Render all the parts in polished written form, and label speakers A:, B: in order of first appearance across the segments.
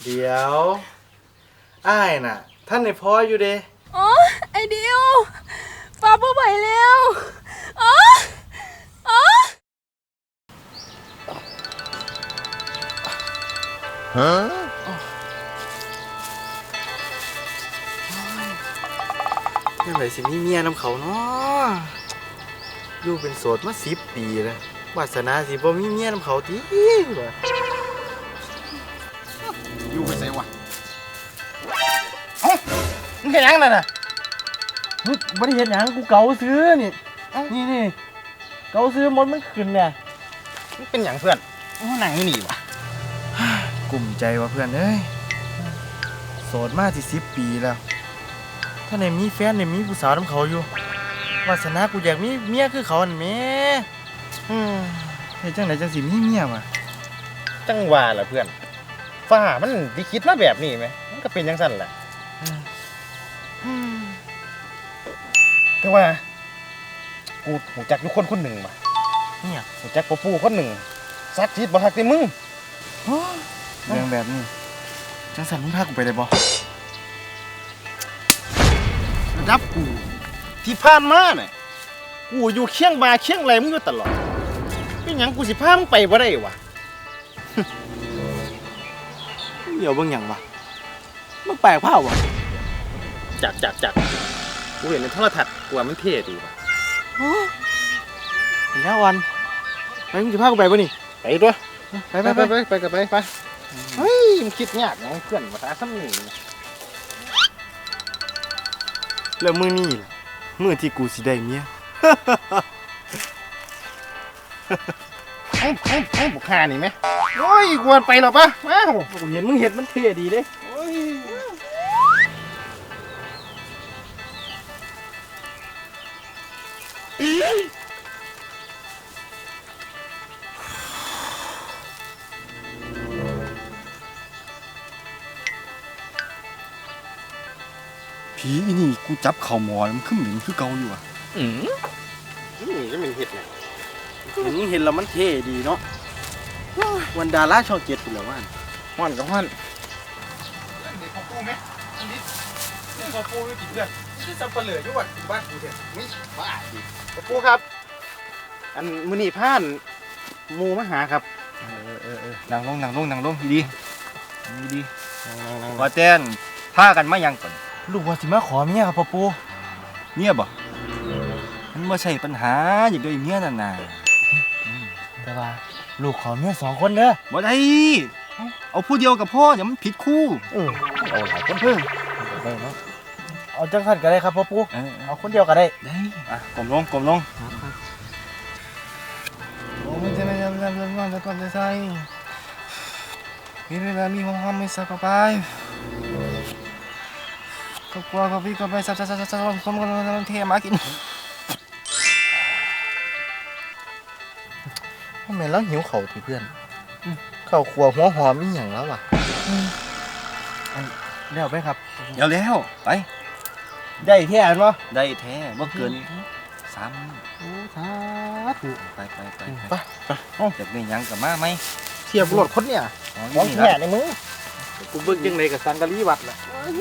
A: เดี๋ยวอ้ายน่ะท่านในพ่ออยู่เด้
B: อ๋อไอเดียวฟ้าบ่ไหวแล้วอ๋ออ๋อ
A: ฮะเมื่อไหร่สิมีเมียนำเขาเนาะอยู่เป็นโสดมา10 ปีแล้ววาสนาสิบ่มีเมียนำเขาติวะ
C: อยู่ไปใส่วะเอ้ามึงเห็นยังนั่นน่ะ
A: มึงบ่ได้เฮ็ดหยังกูเกาซื้อนี่นี่เกาซื้อมดมันขึ้นเนี่ย
C: มึงเป็นอย่างเพื่อนมึงนั่งอยู่นี่วะ
A: กลุ่มใจว่ะเพื่อนเอ้ยโสดมาสิ10 ปีแล้วถ้าไหนมีแฟนเนี่ยมีผู้สาวนำเขาอยู่วาสนากูอยากมีเมียคือเขานั่นแหมเฮ็ดจังไดจังสิมีเมียวะ
C: จังหวะล่ะเพื่อนฟ้ามันดิคิดมาแบบนี้ไหมมันก็เป็นจังสั่นแหละแต่ว่ากูหูจักอยู่คนหนึ่งว่ะ
A: เนี่ย
C: หูจักปู่คนหนึ่งซักจิตบ่ทักแต่มึง
A: เรื่องแบบนี้จังสันมึงพากูไปได้บ่
C: ระดับกูที่ผ่านมาเนี่ยกูอยู่เคียงบ่าเคียงไหลมึงอยู่ตลอดเป็นหยังกูสิพามึงไปบ่ได้วะ
A: เดี๋ยวเบิ่งหยังวะมึงแปลกเผาวะ
C: จักกูเห็นในโทรทัศน์กูว่ามันเท่ดีว่ะ
A: เห็นแล้ววันไปมึงจะพากูไปบ่นี่
C: ไปด้วย
A: ไป
C: ไปกับไปเฮ้ยมันคิดยากนะเพื่อนภาษาซ้ำหนึ่ง
A: แล้วมื้อนี้ล่ะมื้อที่กูสิได้เมีย
C: เอ้บุกคานี่ไหมโอ้ยกวนไปหรอปะว้าว
A: กูเห็นมึงเห็นมันเท่ดีเด้
C: โอ้ย
D: ผีอีนี่กูจับเข่าหมอแล้วมันขึ้นเหม็นคือเก่าอยู่อ่ะ
C: นี่ก็เป็นเห็ดไง
A: มึงเห็นแล้วมันเท่ดีเนาะวันดาราช่อง7พุ่นแล้วว่าน
C: ห้อนกับห้อน
D: เด็กของกูไหมอันนี้เด็กของกูไม่กินเพื่อนนี่สับเปลือกอยู่ว่ะบ้านกูเถอะไม่บ้าดิ
C: ปูครับ อันมือนีผ่านหมูมาหาครับ
D: นั่งลงดีดี
C: นั่ง
D: ว่าแจ้นพากันมายังก่อน
A: ลูกว่าสิมาขอเมียครับพ่อปู่
D: เมียบ่มันไม่ใช่ปัญหาอย่างเดียวเมียนั่นน่ะ
A: แต่ว่าลูกขอเมีย2 คนเด้อ
D: บ่ได้เอาผู้เดียวกับพ่ออย่ามันผิดคู่
C: เอาหลายคน
A: ได้เนาะเอาจังซั่นก็ได้ครับพ่อปู่
D: เอา
A: เอาคนเดียวก็ได้
D: ได้อ่ะกลมลงโอ้มันจะไม่ทำก่อนจะใส่มีเวลามีความไม่สักไปก็กลัวก็พี่ก็ไปซับผมก็เทมากิน
A: ทำไมเราหิวข้าวติเพื่อนข้าวครัวหัวหอมอีหยังแล้ววะเดี๋ยวไปครับ
D: เดี๋ยวแล้วไป
A: ได้แท้อันบ่
D: ได้แท้บ่เกิน3
A: โอ้สาธุ
D: ไป
A: ไป
D: จะมีหยังกับมาไหม
C: เทียบรถคนเนี่ย
D: อ๋อ
C: มอง
D: นี่
C: แง่
D: ละ
C: ในมือ
A: กูเบิ่งจังได๋กับสังกะรีวัดล่ะ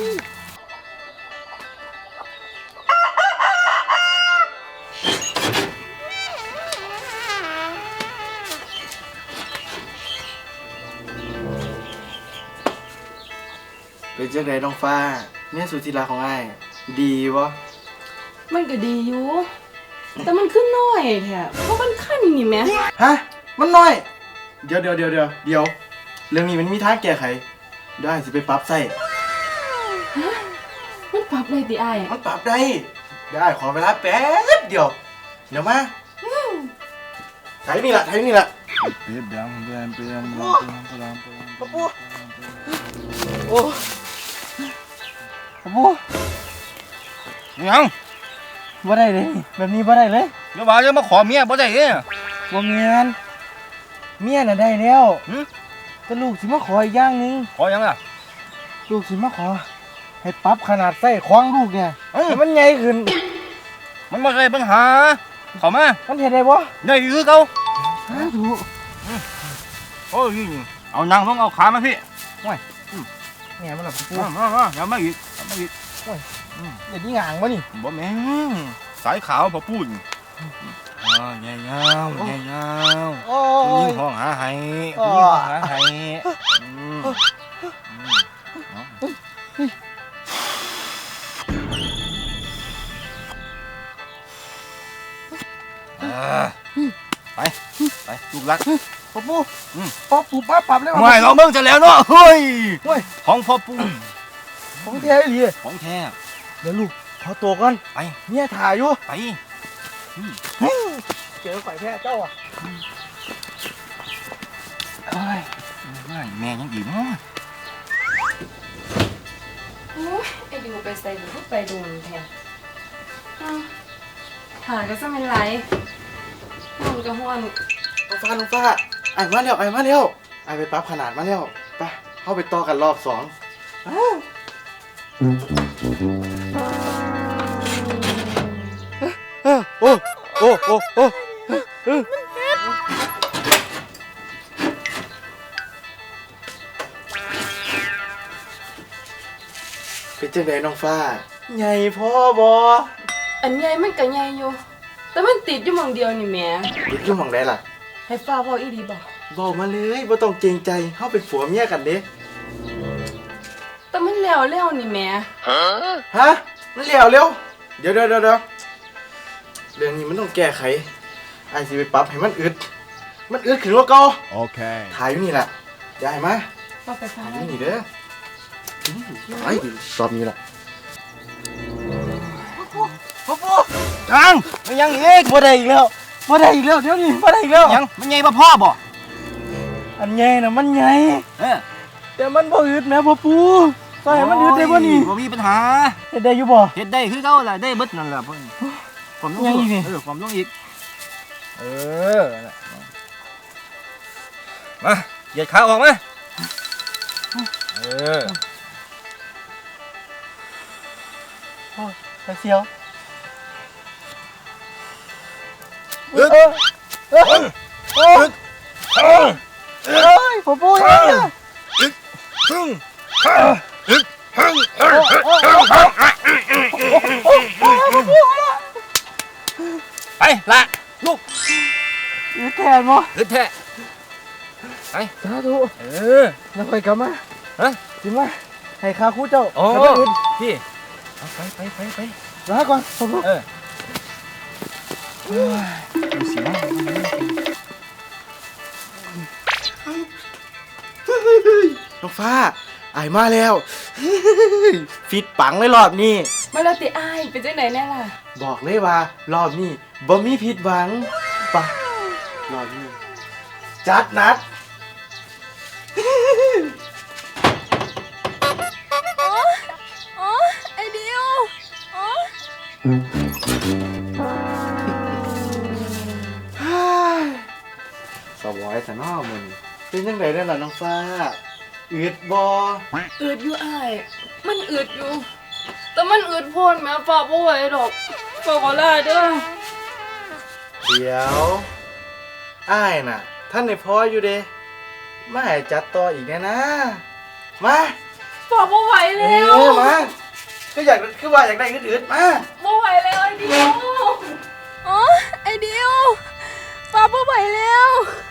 A: เป็นจังได๋น้องฟ้าเมียสุธิรักของอ้ายดีบ่
B: มันก็ดีอยู่แต่มันขึ้นน้อยแท้เพราะมันขั้นนี่แหม
A: ฮะมันน้อย เดี๋ยวเรื่องนี้มันมีทางแก้ไขเดี๋ยวอ้ายสิไปปรับใส่
B: มันปรับได้ติอ้าย
A: มันปรับได้เดี๋ยวอ้ายขอเวลาแป๊บเดียวเดี๋ยวมาไถนี่ล่ะ
D: เปลี่ยน
A: ปะปูโอ้ปะปู
D: ยัง
A: บ่ได้เลยแบบนี้บ่ได้เลย
D: เดี๋ยวว่าจะมาขอเมียบ่ได้เด้อ
A: บ่แม่นเมียน่ะได้แล้วแต่ลูกสิมาขออีกอย่างหนึง
D: ขอยังล่ะ
A: ลูกสิมาขอให้ปรับขนาดไส้ของลูกเนี่ยให้มันใหญ่ขึ้น
D: มันบ่ใช่ปัญหาเข้ามา
A: มันเฮ็ดได้บ่
D: ได้คือเก่า
A: สาธุ
D: โอ้ยเอานั่งลงเอาขามาพี่
A: ปแง่มันหลับปู
C: มาอย่ามาอีกอย่ามาอีก
A: เดี๋ยวนี้งางวะนี่
C: บ่แม่งสายขาวพอพูดแง่เงาแง่เงา
A: โอ้
C: ยิ
A: ย
C: งห้องหาไห้
A: อ๋อ
C: ยิงห้องหาไห้ไปลูกรัก
A: พ่อปูพ่อปูป้าปรับเลย
C: ไม่เราเบิ่งจะแล้วเนาะเฮ้ย
A: เฮ้ย
C: ของพ่อปู่
A: ของแท้เลย
C: ของแท้
A: เดี๋ยวลูกขอตัวก่อน
C: ไป
A: เมียถ่ายอยู่
C: ไป
A: เจอฝ่ายแท้เจ้าอ่ะ
C: เฮ้ยแม่ยังอีกเนาะ
B: โอ้ยไอ้ดิวไปใส่หรือไปดูมันแทนหาก็จะเป็นไรมันก็ห้วน
A: น้องฟ้าไอ้มาแล้วไอ้ไปปรับขนาดมาแล้วไปเข้าไปต่อกันรอบ2โอ้เป็นจังไดน้องฟ้าใหญ่พ่อบอ
B: อันใหญ่มันก็ใหญ่อยู่ แต่มันติดอยู่หมองเดียวนี่แหม่
A: ติดอยู่หม่องใดล่ะ
B: ให้ฟ้าบอกอีดีบอก
A: บอกมาเลยบ่ต้องเกรงใจเฮาเป็นผัวเมียกันเด้
B: แต่มันแล้วนี่แหม่
A: ฮะมันเร็วเดี๋ยวเรื่องนี้มันต้องแก้ไขไอ้สิไปปรับให้มันอึดขึ้นกว่าเก่า
C: Okay.
A: ถ่ายอยู่นี่แหละยายมา
B: บอกไปฟ้า
A: ถ่ายอยู่นี่เด้อไอ้รอบนี้ล่ะพ่อ
C: จังมันยังอีก
A: บ่ได้อีกแล้วเดี๋ยวนี้บ่ได้อีกแล้ว
C: ยังมันใหญ่บ่พ่อบ่
A: อันใหญ่น่ะมันใหญ่
C: เออ
A: แต่มันบ่อึดแม่พ่อปู่ใส่มันอึดได้บ่นี่
C: บ่มีปัญหา
A: เฮ็ดได้อยู่บ่
C: เฮ็ดได้คือเก่าล่ะได้เบิดนั่นล่ะเพิ่นผมต้อง
A: ยังอีกนี่
C: ผมต้องอีก
A: เออ
C: มาเหยียดขาออกมาเออ
A: ไปเสียว
C: อึด
A: เอ้ยพ่อปู่ยังเนี่ย
C: ซึ่งไปละลูก
A: อึดแทนบ่
C: อึดแท้ไป
A: สาธุ
C: เออ
A: แล้วค่อยกลับมา
C: ฮะ
A: สิมาให้ข้าครูเจ้า
C: โอ้
A: กลับมาอึด
C: พี่เอาไป
A: ลาก่อนพ่อปู่
C: เออดูสิว่า
A: น้องฟ้าอายมาแล้ว ฟิตปังเลยรอบนี้
B: มาแล้วติอ้ายเป็นจังไหนแน่ล่ะ
A: บอกเลยว่ารอบนี้บ่มีผิดหวังปะรอบนี้จัดหนัก
B: อ๋อไอ้ดิวอ๋อ
A: สวอยแต่นอมึงเป็นยังไงได้ล่ะน้องฟ้าอืดบ่
B: อืดอยู่อ้ายมันอืดอยู่ แต่มันอืดโพนแม่ฟ้าบ่ไหวดอกฟ้าขอลาเด้อ
A: เดี๋ยวอ้ายน่ะ ท่านในพออยู่เด้มาให้จัดต่ออีกแน่นะมา
B: ฟ้าบ่ไหว
A: เอ
B: แล้ว
A: อมาคือว่าอยากได้อืดๆมา
B: บ่ไหวแล้วไอ้ดิวอ๋อไอ้ดิวฟ้าบ่ไหวแล้ว